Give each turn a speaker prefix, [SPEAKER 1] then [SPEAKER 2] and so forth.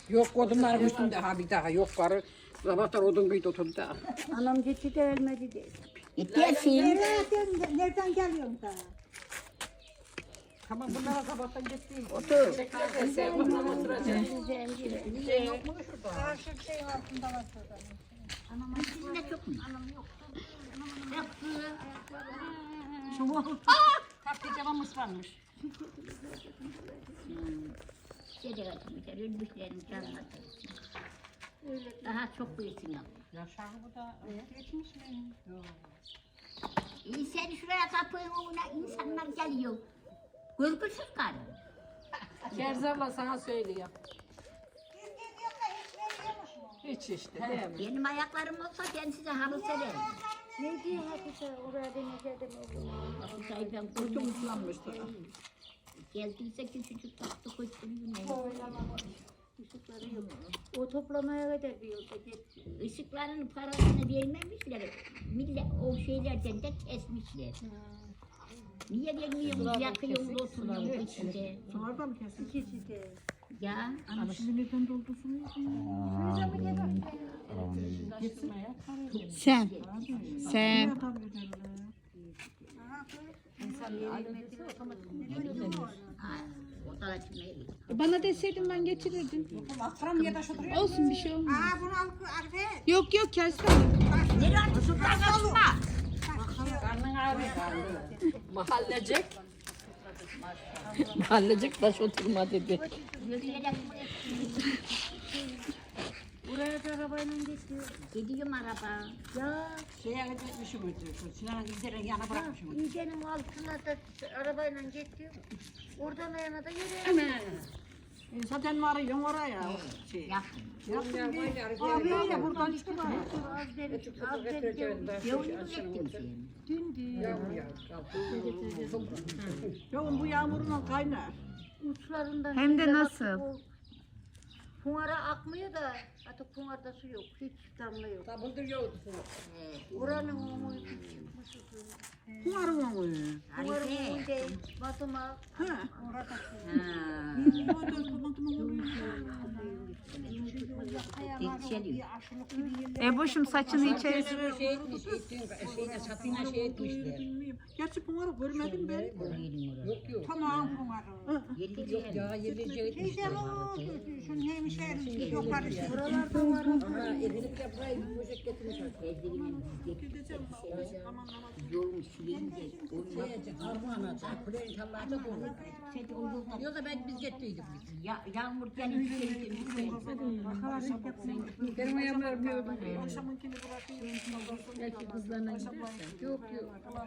[SPEAKER 1] Yok odunların üstünde ha bir daha yok karı. Sabahtan odun kıydı oturdu da.
[SPEAKER 2] Anam gitti de ölmedi de.
[SPEAKER 3] Gittiyesin.
[SPEAKER 2] Nereden geliyorsun da?
[SPEAKER 1] Tamam bunlara sabahtan gitti.
[SPEAKER 3] Otur.
[SPEAKER 1] Niye yok mu şurada?
[SPEAKER 2] Karşı şeyin altında var şurada.
[SPEAKER 3] Sizin de çok mu?
[SPEAKER 1] Tatlı cavam ıslanmış.
[SPEAKER 3] Gece kaçmışlar, ölmüşlerin canına. Daha çok büyüsün ama.
[SPEAKER 1] Yaşar bu da geçmiş mi? Yok.
[SPEAKER 3] Sen şuraya kapıyın önüne insanlar geliyor. Görgüsüz karı.
[SPEAKER 1] Kerzabla sana söylüyor. Hiç işte değil mi?
[SPEAKER 3] Benim ayaklarım olsa ben size halı sererim.
[SPEAKER 2] Ne diyor Hatice? Oraya deneyeceğim oğlum.
[SPEAKER 3] Hatice'yi ben
[SPEAKER 1] Kurtum ıslanmıştı.
[SPEAKER 3] geldiyse küçücük tatlı koşturuyor.
[SPEAKER 2] Işıkları yok. O toplamaya kadar bir yolda gitti.
[SPEAKER 3] Işıkların parasını vermemişler. Millet o şeylerden de kesmişler. Niye vermiyorsunuz? Yakıyorsunuz oturuyorsunuz içinde.
[SPEAKER 1] Sularda mı kesin?
[SPEAKER 2] İkisi de.
[SPEAKER 3] Ya
[SPEAKER 1] Ama şimdi neden doldursunuz?
[SPEAKER 4] Sen. Sen.
[SPEAKER 3] ha, o da açmayı.
[SPEAKER 4] Bana deseydin ben getirirdim.
[SPEAKER 1] Akram ya da şu duruyor.
[SPEAKER 4] Olsun bir şey olmaz.
[SPEAKER 2] Aa bunu al Arife.
[SPEAKER 4] Yok yok kesme.
[SPEAKER 3] Nereye atıyorsun? Kaçma.
[SPEAKER 1] Karnın ağrıyor karnı. Mahallecek. Mahallecek taş oturma dedi.
[SPEAKER 3] Yürüyerek
[SPEAKER 2] Buraya da arabayla gidiyor.
[SPEAKER 3] gidiyorum araba.
[SPEAKER 2] Ya
[SPEAKER 1] Şeye gitmişim şu Sinan'ın izlerini yana bırakmışım.
[SPEAKER 2] iğdenin altına da arabayla gidiyor. Oradan ayağına da yürüyor.
[SPEAKER 1] Zaten varıyorum oraya. Şey.
[SPEAKER 3] Yakın.
[SPEAKER 1] Abiyle buradan çıktı bana.
[SPEAKER 2] Az demiş, az demiş.
[SPEAKER 3] Yolunu gittim seni.
[SPEAKER 2] Dündü.
[SPEAKER 1] Yoğun bu yağmurla kaynar.
[SPEAKER 2] Uçlarından.
[SPEAKER 4] Hem de
[SPEAKER 2] iğde
[SPEAKER 4] nasıl?
[SPEAKER 2] batıp o Pınara akmıyor da artık pınarda su yok. Hiç damla yok.
[SPEAKER 1] Tabıldır yoğurdu.
[SPEAKER 2] Oranın umuyu çıkmış.
[SPEAKER 1] Kumarım onu.
[SPEAKER 2] Pınarın
[SPEAKER 3] Harife.
[SPEAKER 2] umuyu değil. Batıma.
[SPEAKER 1] Ha.
[SPEAKER 2] Orada su.
[SPEAKER 4] Boşum saçını içeri.
[SPEAKER 1] Şey etmiş, şeyde satına şey etmişler. Gerçi Pınar'ı görmedim ben. Yok yok.
[SPEAKER 2] Tamam Pınar'ı.
[SPEAKER 1] Yok ya yerli şey etmişler.
[SPEAKER 2] Şunun hemşehrisi yukarı. Buralarda var.
[SPEAKER 1] Aha edilip de burayı bir poşet getirmiş.
[SPEAKER 3] Yolun silince.
[SPEAKER 1] Şeye Armağan'a, Kuleyin Tallar'da bulur. Yoksa ben biz gettiydik.
[SPEAKER 3] Yağmur gelince
[SPEAKER 1] Benim ayağımı örmüyordum.
[SPEAKER 2] Akşamınkini bırakayım.
[SPEAKER 1] Belki kızlarına gidersen. Yok yok.